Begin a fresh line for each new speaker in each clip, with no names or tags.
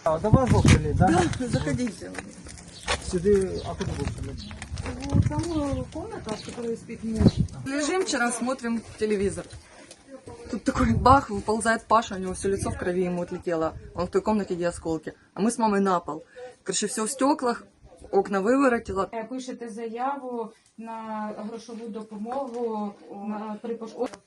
А, до вас вокруг, да?
Да, заходите.
Сюди, а куди вокруг?
Там комната, в которой спит муж. Лежим вчера, смотрим телевизор. Тут такой бах, выползает Паша, у него все лицо в крови ему отлетело. Он в той комнате, где осколки. А мы с мамой на пол. Короче, все в стеклах, окна выворотило.
Пишете заяву на грошову допомогу при пошкодженні.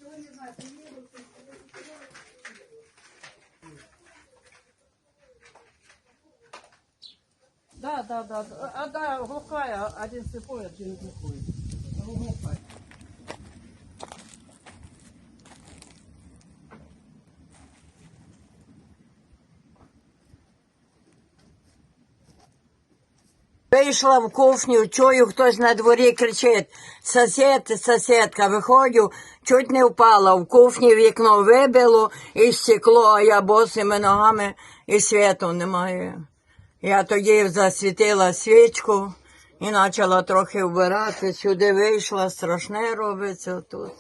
Да. Одна глухая, один слепой, один глухой. Глухая.
Вийшла в кухню, чую, хтось на дворі кричить: сусід, сусідка, виходжу, чуть не впала. В кухні вікно вибило і стекло, а я босими ногами і світу немає. Я тоді засвітила свічку і почала трохи вбирати. Сюди вийшла, страшне робиться тут.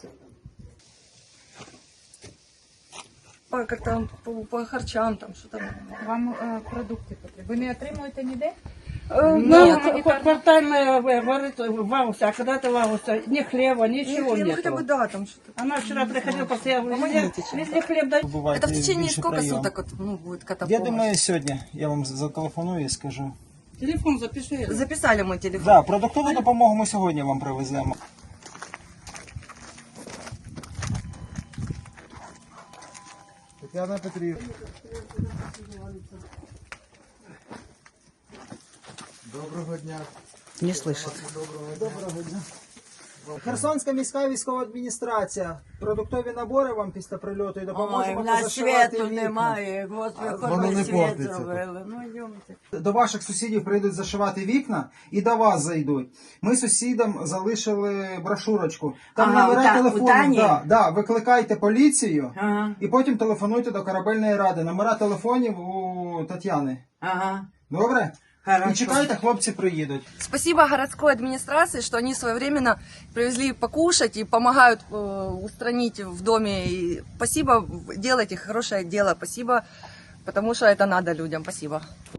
Как там по харчам, там что там.
Вам продукти потрібні. Ви не отримуєте ніде?
Ну, квартальная говорит, вауса, а когда-то вауса, ни хлеба, ничего
Ну,
нет.
хотя бы да, там что-то.
Она вчера приходила, постоянно,
Помогите,
если хлеб дать.
Это в течение сколько суток вот, будет какая-то
Я
помощь?
думаю, сьогодні я вам зателефоную і скажу.
Телефон запиши.
Записали мой телефон.
Да, продуктову допомогу ми сьогодні вам привеземо. Тетяна Петрівна. Доброго дня.
Не слышит.
Доброго дня. Херсонська міська військова адміністрація. Продуктові набори вам після прильоту і
Ой,
допоможемо
в нас
позашивати
світу
вікна.
немає, от
Воно
виходить
не
світ
портиться
зробили. Ну, йдемте.
До ваших сусідів прийдуть зашивати вікна і до вас зайдуть. Ми сусідам залишили брошурочку. Там
Ага,
номера
у
телефону.
Тані?
Да, викликайте поліцію
Ага,
і потім телефонуйте до корабельної ради. Номера телефонів у Тетяни.
ага,
Добре?
хорошо.
І чекайте, хлопці приїдуть.
Спасибо городской администрации, что они своевременно привезли покушать и помогают устранить в доме. И спасибо, делайте хорошее дело, спасибо, потому что это надо людям, спасибо.